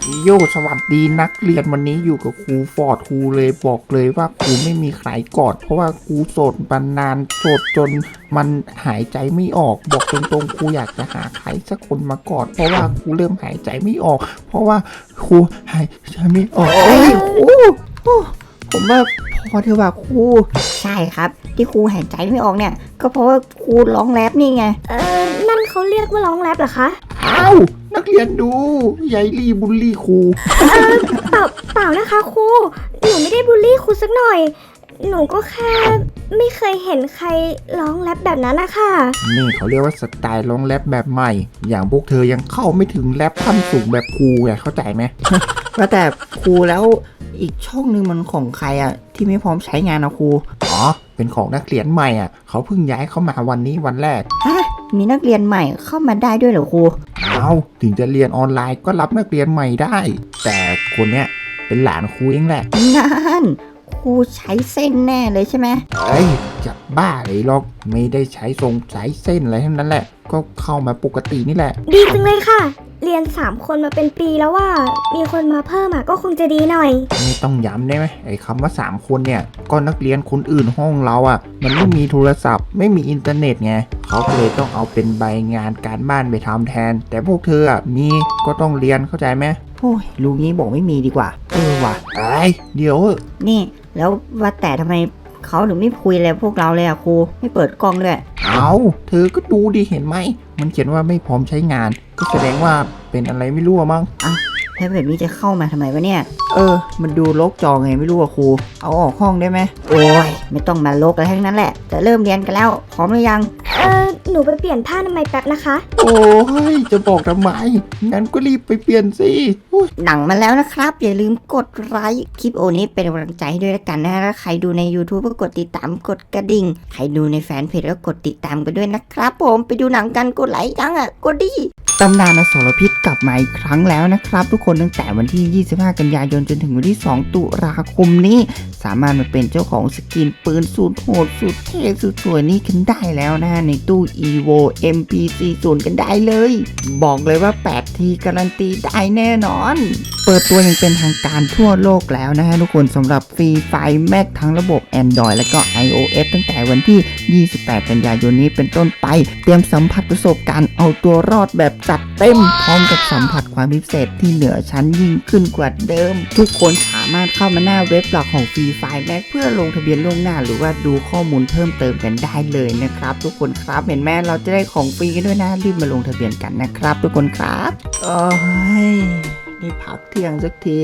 โยสวัสดีนักเรียนวันนี้อยู่กับครูฟอร์ดครูเลยบอกเลยว่าครูไม่มีใครกอดเพราะว่าครูโสดมานานโสดจนมันหายใจไม่ออกบอกตรงๆครูอยากจะหาใครสักคนมากอดเพราะว่าครูเริ่มหายใจไม่ออกเพราะว่าครูหายใจไม่ออกครูผมว่าพอเถอะว่าครูใช่ครับที่ครูหายใจไม่ออกเนี่ยก็เพราะว่าครูร้องแรปนี่ไงนั่นเขาเรียกว่าร้องแรปเหรอคะอ้าวนักเรียนดูยายลี่บูลลี่ครูเปล่านะคะครูหนูไม่ได้บูลลี่ครูสักหน่อยหนูก็แค่ไม่เคยเห็นใครร้องแรปแบบนั้นนะคะนี่เขาเรียกว่าสไตล์ร้องแรปแบบใหม่อย่างพวกเธอยังเข้าไม่ถึงแรปขั้นสูงแบบครูไงเข้าใจไหมว่าแต่ครูแล้วอีกช่องนึงมันของใครอ่ะที่ไม่พร้อมใช้งานนะครูอ๋อเป็นของนักเรียนใหม่อ่ะเขาเพิ่งย้ายเข้ามาวันนี้วันแรกฮะมีนักเรียนใหม่เข้ามาได้ด้วยเหรอครูเอาถึงจะเรียนออนไลน์ก็รับนักเรียนใหม่ได้แต่คนเนี้ยเป็นหลานครูเองแหละนั่นครูใช้เส้นแน่เลยใช่ไหมเอ้ยจะบ้าเลยหรอกไม่ได้ใช้ทรงใช้เส้นอะไรทั้งนั้นแหละก็เข้ามาปกตินี่แหละดีจังเลยค่ะเรียน3คนมาเป็นปีแล้วว่ามีคนมาเพิ่มก็คงจะดีหน่อยไม่ต้องย้ำได้ไหมไอ้คำว่า3คนเนี่ยก็นักเรียนคนอื่นห้องเรามันไม่มีโทรศัพท์ไม่มีอินเทอร์เน็ตไงเขาก็เลยต้องเอาเป็นใบงานการบ้านไปทำแทนแต่พวกเธอมีก็ต้องเรียนเข้าใจไหมโอ้ยลุงนี้บอกไม่มีดีกว่าว่ะไอ้เดี๋ยวนี่แล้วว่าแต่ทำไมเขาถึงไม่คุยอะไรพวกเราเลยครูไม่เปิดกล้องเลยเอาเธอก็ดูดิเห็นไหมมันเขียนว่าไม่พร้อมใช้งานก็แสดงว่าเป็นอะไรไม่รู้มั้งแล้วแบบนี้จะเข้ามาทำไมวะเนี่ยมันดูลกจอไงไม่รู้ครูเอาออกห้องได้ไหมโอ้ยไม่ต้องมาลกอะไรทั้งนั้นแหละจะเริ่มเรียนกันแล้วพร้อมหรือยังหนูไปเปลี่ยนผ้าทำไมแป๊บนะคะโอ้ยจะบอกทำไมงั้นก็รีบไปเปลี่ยนสิหนังมาแล้วนะครับอย่าลืมกดไลค์คลิปโอนี้เป็นกำลังใจให้ด้วยละกันนะถ้าใครดูใน YouTube ก็กดติดตามกดกระดิ่งใครดูในแฟนเพจก็กดติดตามกันด้วยนะครับผมไปดูหนังกันกดไลค์ยังกดดิตำนานอสรพิษกลับมาอีกครั้งแล้วนะครับทุกคนตั้งแต่วันที่25กันยายนจนถึงวันที่2ตุลาคมนี้สามารถมาเป็นเจ้าของสกินปืนสุดโหดสุดเท่สุดสวยนี้กันได้แล้วนะในตู้ EVO MP40 กันได้เลยบอกเลยว่า8ทีการันตีได้แน่นอนเปิดตัวอย่างเป็นทางการทั่วโลกแล้วนะฮะทุกคนสำหรับ Free Fire Max ทั้งระบบ Android และก็ iOS ตั้งแต่วันที่28กันยายนนี้เป็นต้นไปเตรียมสัมผัสประสบการณ์เอาตัวรอดแบบจัดเต็มพร้อมกับสัมผัสความพิเศษที่เหนือชั้นยิ่งขึ้นกว่าเดิมทุกคนสามารถเข้ามาหน้าเว็บหลักของ Free Fire Max เพื่อลงทะเบียนล่วงหน้าหรือว่าดูข้อมูลเพิ่มเติมกันได้เลยนะครับทุกคนครับเห็นไหมเราจะได้ของฟรีกันด้วยนะรีบมาลงทะเบียนกันนะครับทุกคนครับได้พักเที่ยงสักที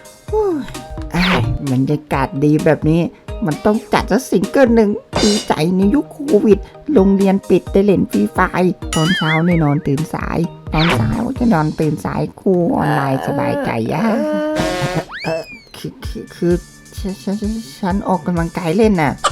บรรยากาศดีแบบนี้มันต้องจัดสักซิงเกิลหนึ่งดีใจในยุคโควิดโรงเรียนปิดได้เล่นฟรีไฟตอนเช้าเนี่ยนอนตื่นสายตอนสายก็จะนอนตื่นสายครูออนไลน์สบายใจคือฉันออกกำลังกายเล่นน่ะ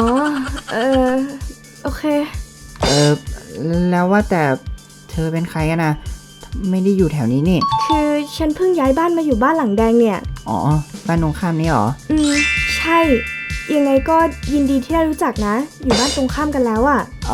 โอเคแล้วว่าแต่เธอเป็นใครกันนะไม่ได้อยู่แถวนี้นี่คือฉันเพิ่งย้ายบ้านมาอยู่บ้านหลังแดงเนี่ยบ้านตรงข้ามนี่หรอใช่ยังไงก็ยินดีที่ได้รู้จักนะอยู่บ้านตรงข้ามกันแล้ว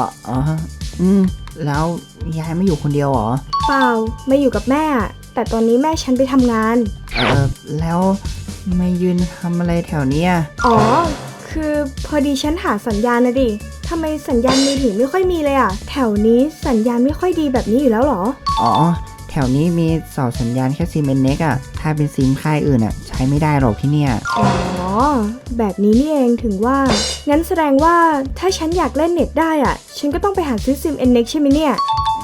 แล้วยายไม่อยู่คนเดียวหรอเปล่าไม่อยู่กับแม่แต่ตอนนี้แม่ฉันไปทำงานแล้วไม่ยืนทำอะไรแถวนี้คือพอดีฉันหาสัญญาณนะดิทำไมสัญญาณมือถือไม่ค่อยมีเลยแถวนี้สัญญาณไม่ค่อยดีแบบนี้อยู่แล้วหรอแถวนี้มีเสาสัญญาณแค่ซิมเน็กถ้าเป็นซิมค่ายอื่นใช้ไม่ได้หรอกที่เนี่ยแบบนี้นี่เองถึงว่างั้นแสดงว่าถ้าฉันอยากเล่นเน็ตได้ฉันก็ต้องไปหาซื้อซิมเน็กใช่ไหมเนี่ย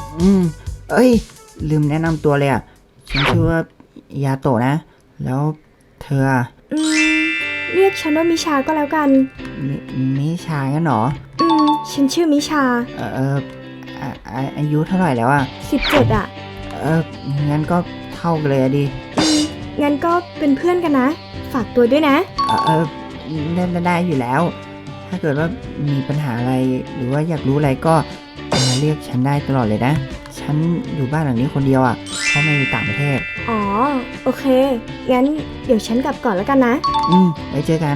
ลืมแนะนำตัวเลยฉันชื่อว่ายาโตะนะแล้วเธอเรียกฉันว่ามิชาก็แล้วกันมิชางั้นหรอฉันชื่อมิชาอายุเท่าไหร่แล้ว 17 งั้นก็เท่ากันเลยดิงั้นก็เป็นเพื่อนกันนะฝากตัวด้วยนะได้อยู่แล้วถ้าเกิดว่ามีปัญหาอะไรหรือว่าอยากรู้อะไรก็มาเรียกฉันได้ตลอดเลยนะฉันอยู่บ้านหลังนี้คนเดียวเพราะไม่อยู่ต่างประเทศโอเคงั้นเดี๋ยวฉันกลับก่อนแล้วกันนะไว้เจอกัน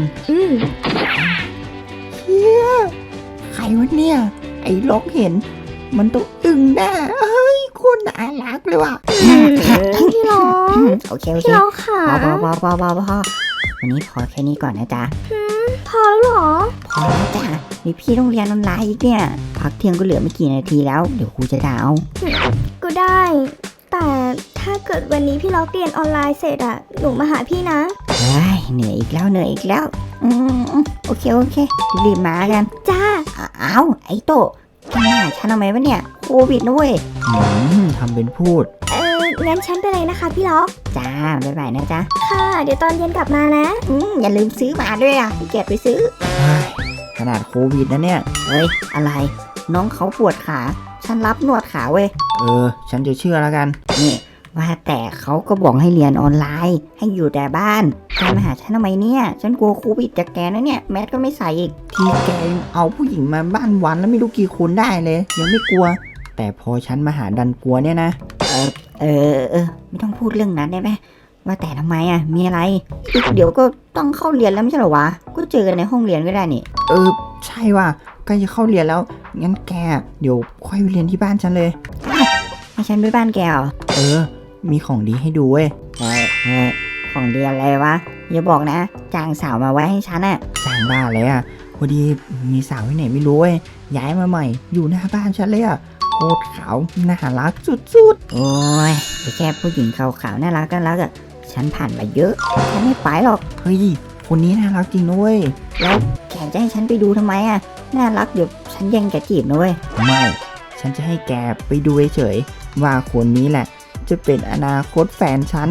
เฮียใครวะเนี่ยไอ้ล็อกเห็นมันต้องอึ้งแน่เฮ้ยคนน่ารักเลยว่ะพี่ร้องโอเคพี่ร้องค่ะพอวันนี้พอแค่นี้ก่อนนะจ๊ะพอแล้วเหรอพอแล้วจ้ะนี่พี่ต้องเรียนออนไลน์อีกเนี่ยพักเที่ยงก็เหลือไม่กี่นาทีแล้วเดี๋ยวครูจะด่าเอาก็ได้ แต่ถ้าเกิดวันนี้พี่ล็อกเรียนออนไลน์เสร็จอะหนูมาหาพี่นะเฮ้ยเหนื่อยอีกแล้วโอเครีบมากันจ้าอ้าวไอ้โตะแกมาหาฉันทำไมวะเนี่ยโควิดนะเว้ยทำเป็นพูดงั้นฉันไปเลยนะคะพี่ล็อกจ้าบ๊ายบายนะจ๊ะค่ะ เดี๋ยวตอนเย็นกลับมานะอย่าลืมซื้อมาด้วยอ่ะพี่เกียรติไปซื้อขนาดโควิดนะเนี่ยเฮ้ยอะไร น้องเขาปวดขาฉันรับนวดขาเว้ยฉันจะเชื่อแล้วกันนี่ว่าแต่เขาก็บอกให้เรียนออนไลน์ ให้อยู่แต่บ้านแกมาหาฉันทำไมเนี่ยฉันกลัวโควิดจากแกนะเนี่ยแมสก็ไม่ใส่อีกที่แกเอาผู้หญิงมาบ้านวันแล้วไม่รู้กี่คนได้เลย ยังไม่กลัว แต่พอฉันมาหาดันกลัวเนี่ยนะไม่ต้องพูดเรื่องนั้นได้ไหมว่าแต่ทำไมอ่ะมีอะไรอีกเดี๋ยวก็ต้องเข้าเรียนแล้วไม่ใช่เหรอวะก็เจอกันในห้องเรียนก็ได้นี่ใช่ว่ะใกล้จะเข้าเรียนแล้ว งั้นแกเดี๋ยวค่อยไปเรียนที่บ้านฉันเลยให้ฉันไปบ้านแกเหรอมีของดีให้ดูเว้ยเฮ้ยของเรียนอะไรวะอย่าบอกนะจ้างสาวมาไว้ให้ฉันอ่ะจ้างบ้านเลยอ่ะ พอดีมีสาวที่ไหนไม่รู้เว้ย ย้ายมาใหม่ อยู่หน้าบ้านฉันเลยอ่ะ โคตรขาว น่ารักสุดโอ้ยไอ้แค่ผู้หญิงขาวๆน่ารักอ่ะฉันผ่านมาเยอะฉันไม่ไปหรอกๆ เฮ้ย คนนี้น่ารักจริงนะเว้ยแล้วแกจะให้ฉันไปดูทำไมอ่ะน่ารักเดี๋ยวฉันแย่งแกจีบนะเว้ยไม่ ฉันจะให้แกไปดูเฉยๆว่าคนนี้แหละ จะเป็นอนาคตแฟนฉัน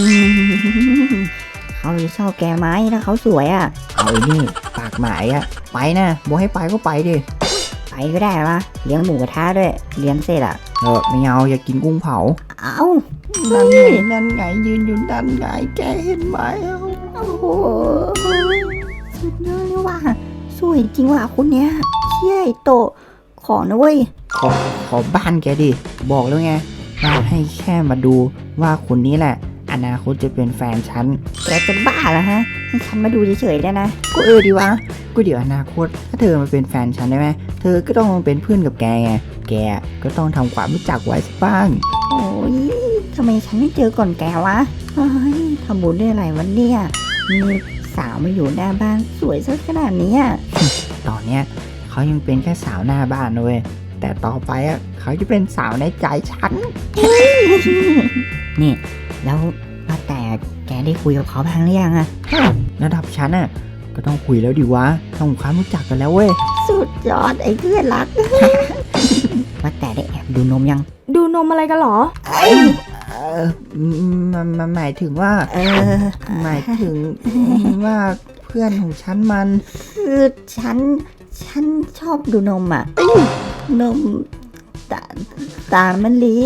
เขาจะชอบแกไหมถ้าเขาสวยอ่ะเอาไอ้นี่ ปากหมายอ่ะ ไปนะบอกให้ไปก็ไปดิไปก็ได้วะเลี้ยงหมูกระทะด้วยเลี้ยงเสร็จอ่ะไม่เอาอย่ากินกุ้งเผาเอ้านั่นไงยืนอยู่ด้านไงแกเห็นไหมโอ้โหสุดยอดเลยว่ะสวยจริงว่ะคนเนี้ยเชี่ยไอ้โตะขอนะเว้ยขอบ้านแกดิ บอกแล้วไงว่าให้แค่มาดูว่าคนนี้แหละ อนาคตจะเป็นแฟนฉันแกจะบ้าเหรอฮะให้ฉันมาดูเฉยๆได้นะก็ดีวะ ก็เดี๋ยวอนาคต ถ้าเธอมาเป็นแฟนฉันได้ไหม เธอก็ต้องมาเป็นเพื่อนกับแกไง แกก็ต้องทำความรู้จักไว้สักบ้างโอ้ยทำไมฉันไม่เจอก่อนแกวะเฮ้ยทำบุญได้อะไรวันเนี่ยมีสาวมาอยู่หน้าบ้านสวยซะขนาดนี้อะตอนเนี้ยเขายังเป็นแค่สาวหน้าบ้านนะเว้ย แต่ต่อไปอ่ะเขาจะเป็นสาวในใจฉันนี่แล้วว่าแต่แกได้คุยกับเขาบ้างหรือยังอะระดับฉันอ่ะ ก็ต้องคุยแล้วดิวะทำความรู้จักกันแล้วเว้ยสุดยอดไอ้เพื่อนรัก ว่าแต่ได้แอบดูนมยังดูนมอะไรกันเหรอมันหมายถึงว่า หมายถึงว่าเพื่อนของฉันมันคือฉันชอบดูนมอ่ะนมตาลมะลิ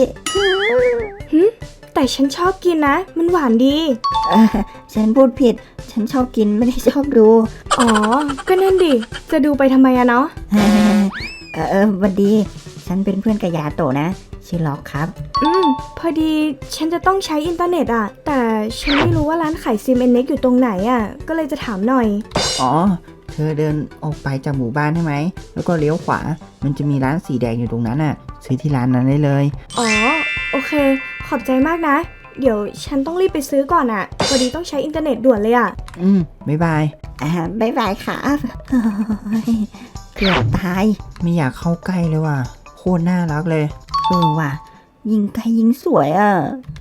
แต่ฉันชอบกินนะ มันหวานดีฉันพูดผิด ฉันชอบกินไม่ได้ชอบดูอ๋อ ก็นั่นดิ จะดูไปทำไมอะเนาะวันดี ฉันเป็นเพื่อนกับยาโตะนะ ชื่อล็อกครับพอดีฉันจะต้องใช้อินเทอร์เน็ตอะแต่ฉันไม่รู้ว่าร้านขายซิมเอ็นเน็กอยู่ตรงไหนอะก็เลยจะถามหน่อยอ๋อ เธอเดินออกไปจากหมู่บ้านใช่ไหม แล้วก็เลี้ยวขวา มันจะมีร้านสีแดงอยู่ตรงนั้นน่ะ ซื้อที่ร้านนั้นได้เลยอ๋อ โอเค ขอบใจมากนะ เดี๋ยวฉันต้องรีบไปซื้อก่อนอะพอดีต้องใช้อินเทอร์เน็ตด่วนเลยอะบ๊ายบายบ๊ายบายครับเฮ้ยเกือบตายไม่อยากเข้าใกล้เลยว่ะ โคตรน่ารักเลยว่ะ ยิงไกลยิงสวยอ่ะ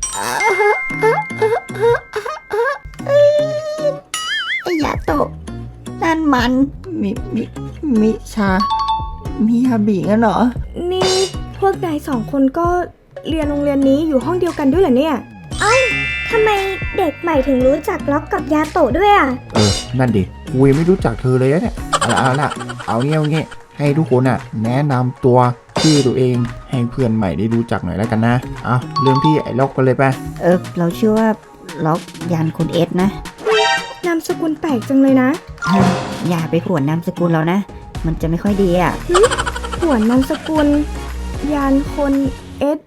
ไอ้ยาโตะนั่นมันมิชา มิยาบิงั้นเหรอนี่พวกนายสองคนก็เรียนโรงเรียนนี้อยู่ห้องเดียวกันด้วยเหรอเนี่ย เอ้าทำไมเด็กใหม่ถึงรู้จักล็อกกับยาโตะด้วยอะนั่นดิกูยังไม่รู้จักเธอเลยเนี่ย เอาละเอาเงี้ยให้ทุกคนอ่ะ แนะนำตัวชื่อตัวเองให้เพื่อนใหม่ได้รู้จักหน่อยแล้วกันนะ เอาเริ่มที่ไอ้ล็อกกันเลยไปเราชื่อว่าล็อกยันคุณเอสนะนามสกุลแปลกจังเลยนะอย่าไปผวนนามสกุลเรานะ มันจะไม่ค่อยดีอ่ะหวนนามสกุล ยานคนเอส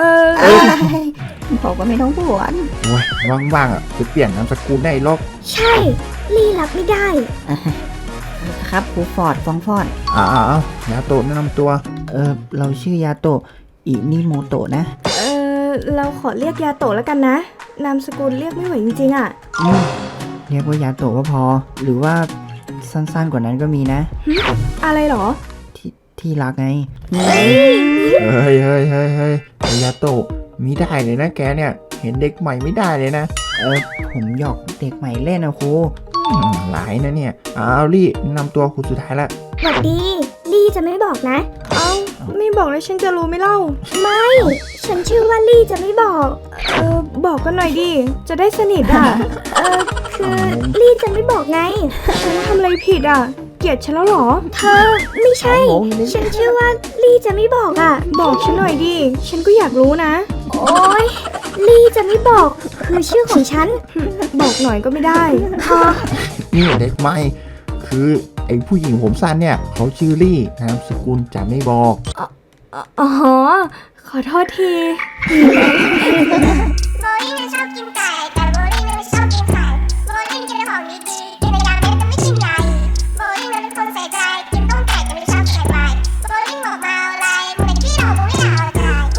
บอกว่าไม่ต้องผวนโอ้ยว่างๆอ่ะจะเปลี่ยนนามสกุลได้ล็อกใช่ลี่รับไม่ได้ครับครูฟอร์ดฟองฟอร์ดเอายาโตะแนะนำตัว เราชื่อยาโตะอินิโมโตะนะเราขอเรียกยาโตะแล้วกันนะ นามสกุลเรียกไม่ไหวจริงๆอะเรียกว่ายาโตะก็พอ หรือว่าสั้นๆกว่านั้นก็มีนะอะไรหรอที่รักไงเฮ้ยยาโตะมิได้เลยนะแกเนี่ย เห็นเด็กใหม่ไม่ได้เลยนะผมหยอกเด็กใหม่เล่นนะครูหลายนะเนี่ยเอาลี่นำตัวคุณสุดท้ายละสวัสดี ลี่จะไม่บอกนะ ไม่บอกแล้วฉันจะรู้ไหมเล่า ไม่ ฉันชื่อว่าลี่จะไม่บอก บอกกันหน่อยดิ จะได้สนิทอ่ะ คือลี่จะไม่บอกไง ฉันทำอะไรผิดอ่ะ เกลียดฉันแล้วหรอ เธอ ไม่ใช่ ฉันชื่อว่าลี่จะไม่บอกอ่ะ บอกฉันหน่อยดิ ฉันก็อยากรู้นะ โอ๊ย ลี่จะไม่บอก คือชื่อของฉัน บอกหน่อยก็ไม่ได้พอนี่เด็กใหม่คือไอ้ผู้หญิงผมสั้นเนี่ยเขาชื่อลี่นามสกุลจะไม่บอกอ๋อ ขอโทษทีโซอี้ชอบกินไก่